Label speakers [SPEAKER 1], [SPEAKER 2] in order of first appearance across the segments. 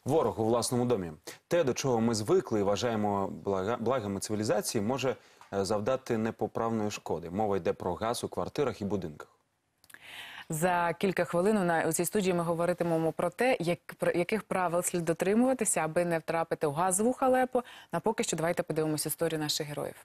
[SPEAKER 1] Ворог у власному домі. Те, до чого ми звикли і вважаємо благами цивілізації, може завдати непоправної шкоди. Мова йде про газ у квартирах і будинках.
[SPEAKER 2] За кілька хвилин у цій студії ми говоритимемо про те, яких правил слід дотримуватися, аби не втрапити у газову халепу. А поки що давайте подивимося історію наших героїв.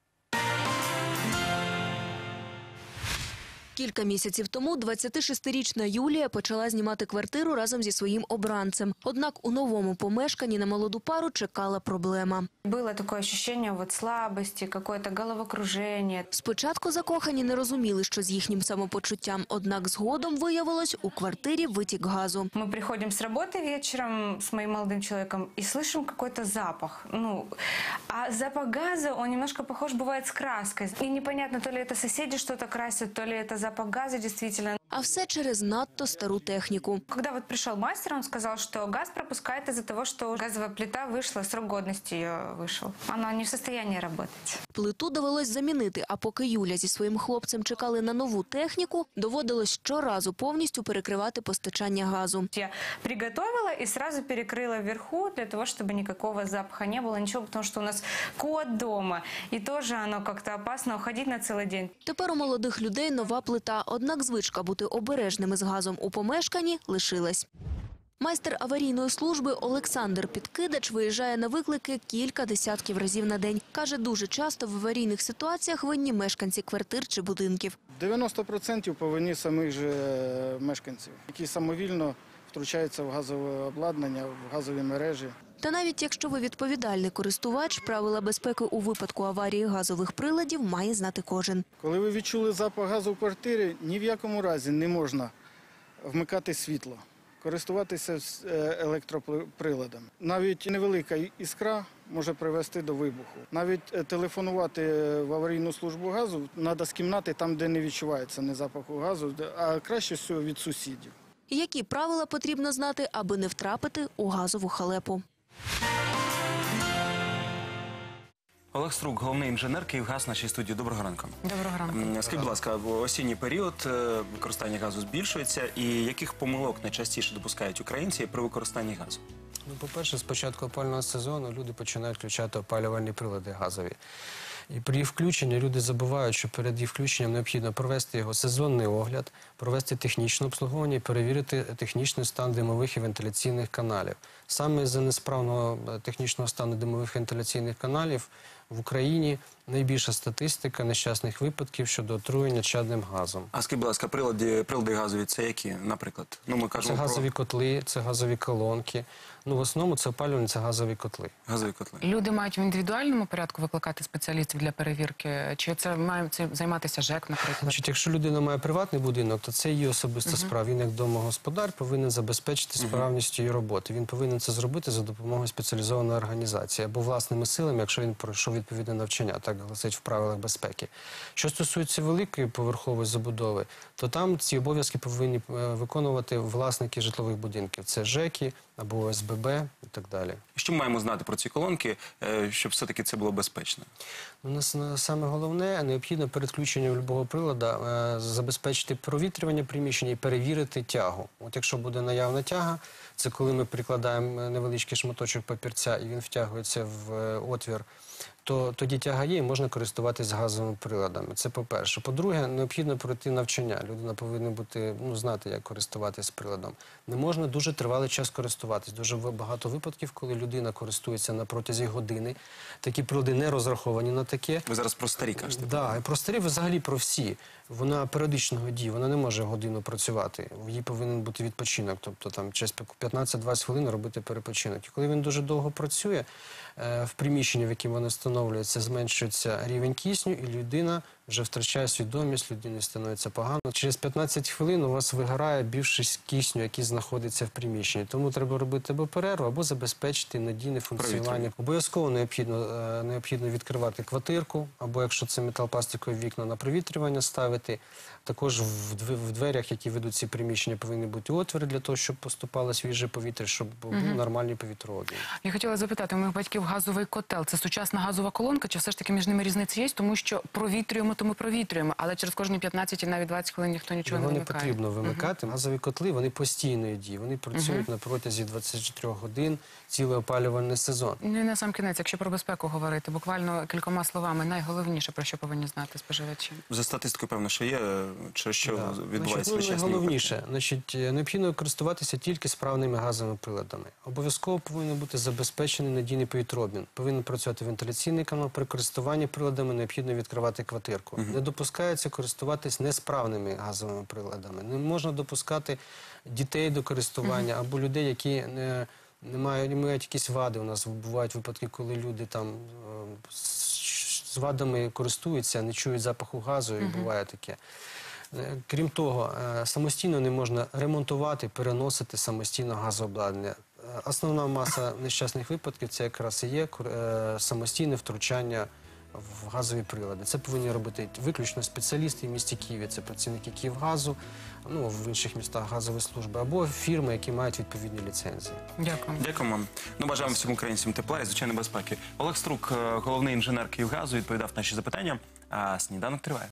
[SPEAKER 3] Кілька місяців тому 26-річна Юлія почала знімати квартиру разом зі своїм обранцем. Однак у новому помешканні на молоду пару чекала проблема.
[SPEAKER 4] Було таке відчуття слабості, якесь головокруження.
[SPEAKER 3] Спочатку закохані не розуміли, що з їхнім самопочуттям. Однак згодом виявилось, у квартирі витік газу.
[SPEAKER 4] Ми приходимо з роботи вечором з моїм молодим чоловіком і чуємо якийсь запах. А запах газу, він немножко похож буває з краскою. І непонятно, то ли це сусіди щось красять, то ли це запах газа, действительно.
[SPEAKER 3] А все через надто стару техніку.
[SPEAKER 4] Когда вот пришел мастер, он сказал, что газ пропускает из-за того, что газовая плита вышла, срок годности ее вышел. Она не в состоянии работать.
[SPEAKER 3] Плиту довелось замінити, а поки Юля зі своїм хлопцем чекали на нову техніку, доводилось щоразу повністю перекривати постачання газу.
[SPEAKER 4] Я приготовила и сразу перекрыла вверху, для того, чтобы никакого запаха не было, ничего, потому что у нас кот дома, и тоже оно как-то опасно уходить на целый день.
[SPEAKER 3] Тепер у молодих людей нова плита, однак звичка бути обережними з газом у помешканні лишилась. Майстер аварійної служби Олександр Підкидач виїжджає на виклики кілька десятків разів на день. Каже, дуже часто в аварійних ситуаціях винні мешканці квартир чи будинків.
[SPEAKER 5] 90% по вині самих же мешканців, які самовільно втручаються в газове обладнання, в газові мережі.
[SPEAKER 3] Та навіть якщо ви відповідальний користувач, правила безпеки у випадку аварії газових приладів має знати кожен.
[SPEAKER 5] Коли ви відчули запах газу в квартирі, ні в якому разі не можна вмикати світло, користуватися електроприладом. Навіть невелика іскра може привести до вибуху. Навіть телефонувати в аварійну службу газу треба з кімнати, там, де не відчувається ні запаху газу, а краще всього від сусідів.
[SPEAKER 3] Які правила потрібно знати, аби не втрапити у газову халепу?
[SPEAKER 1] Олег Струк, головний інженер «Київгаз» в нашій студії. Доброго ранку.
[SPEAKER 2] Доброго ранку.
[SPEAKER 1] Скажіть, будь ласка, в осінній період використання газу збільшується. І яких помилок найчастіше допускають українці при використанні газу?
[SPEAKER 6] По-перше, з початку опалювального сезону люди починають включати опалювальні прилади газові. І при включенні люди забувають, що перед їх включенням необхідно провести його сезонний огляд, провести технічне обслуговування і перевірити технічний стан димових і вентиляційних каналів. Саме з-за несправного технічного стану димових вентиляційних каналів в Україні найбільша статистика нещасних випадків щодо отруєння чадним газом.
[SPEAKER 1] А скажіть, будь ласка, прилади газові – це які, наприклад? Ми кажемо
[SPEAKER 6] це газові котли, це газові колонки. В основному це опалювання, це газові котли.
[SPEAKER 1] Газові котли.
[SPEAKER 2] Люди мають в індивідуальному порядку викликати спеціалістів для перевірки? Чи це має займатися ЖЕК, наприклад?
[SPEAKER 6] Якщо людина має приватний будинок, то це її особиста справа. Він, як домогосподар, повинен забезпечити справність її роботи. Він повинен це зробити за допомогою спеціалізованої організації або власними силами, якщо він пройшов відповідне навчання, так гласить в правилах безпеки. Що стосується великої поверхової забудови, то там ці обов'язки повинні виконувати власники житлових будинків. Це ЖЕКи або ОСББ і так далі.
[SPEAKER 1] Що ми маємо знати про ці колонки, щоб все-таки це було безпечно?
[SPEAKER 6] У нас саме головне, необхідно перед включенням будь-якого прилада забезпечити провітрювання приміщення і перевірити тягу. От якщо буде наявна тяга, це коли ми прикладаємо невеличкий шматочок папірця і він втягується в отвір, то тоді тяга є і можна користуватися газовими приладами. Це по-перше. По-друге, необхідно пройти навчання. Людина повинна знати, як користуватися приладом. Не можна дуже тривалий час користуватись. Дуже багато випадків, коли людина користується на протязі години. Такі прилади не розраховані на таке.
[SPEAKER 1] Ви зараз про старі кажете?
[SPEAKER 6] Так, про старі, взагалі про всі. Вона періодичного дії, вона не може годину працювати. Їй повинен бути відпочинок, тобто там через 15-20 хвилин робити перепочинок. І коли він дуже довго працює, в приміщенні, в якому воно встановлюється, зменшується рівень кисню, і людина вже втрачає свідомість, людині становиться погано. Через 15 хвилин у вас вигорає більшість кисню, який знаходиться в приміщенні. Тому треба робити або перерву, або забезпечити надійне функціонування. Обов'язково необхідно відкривати квартирку, або якщо це металопластикові вікна, на провітрювання ставити. Також в дверях, які ведуть ці приміщення, повинні бути отвори для того, щоб поступало свіже повітря, щоб був нормальний повітрообмін.
[SPEAKER 2] Я хотіла запитати, у моїх батьків газовий котел – це сучасна газова колонка, чи все ж таки між ними різниця є? Тому що провітрюємо то ми провітрюємо, але через кожні 15 і навіть 20 хвилин ніхто нічого
[SPEAKER 6] Його
[SPEAKER 2] не
[SPEAKER 6] не
[SPEAKER 2] вимикає.
[SPEAKER 6] потрібно вимикати. Газові котли, вони постійної дії. Вони працюють на протязі 24 годин, цілий опалювальний сезон.
[SPEAKER 2] Ну і на сам кінець, якщо про безпеку говорити, буквально кількома словами, найголовніше, про що повинні знати споживачі.
[SPEAKER 1] За статистикою, певно, що є, через що відбувається
[SPEAKER 6] Значить,
[SPEAKER 1] нещасні
[SPEAKER 6] найголовніше, необхідно користуватися тільки справними газовими приладами. Обов'язково повинен бути забезпечений надійний повітрообмін. Повинен працювати вентиляційний канал. При користуванні приладами необхідно відкривати квартирку. Не допускається користуватись несправними газовими приладами. Не можна допускати дітей до користування або людей, які не мають якісь вади. У нас бувають випадки, коли люди там з вадами користуються, не чують запаху газу, і буває таке. Крім того, самостійно не можна ремонтувати, переносити самостійно газообладнання. Основна маса нещасних випадків – це якраз і є самостійне втручання в газові прилади. Це повинні робити виключно спеціалісти в місті Києві, це працівники Київгазу, ну, в інших містах газові служби, або фірми, які мають відповідні ліцензії.
[SPEAKER 2] Дякую.
[SPEAKER 1] Дякуємо вам. Ну, бажаємо всім українцям тепла і, звичайно, безпеки. Олег Струк, головний інженер Київгазу, відповідав на наші запитання. А сніданок триває.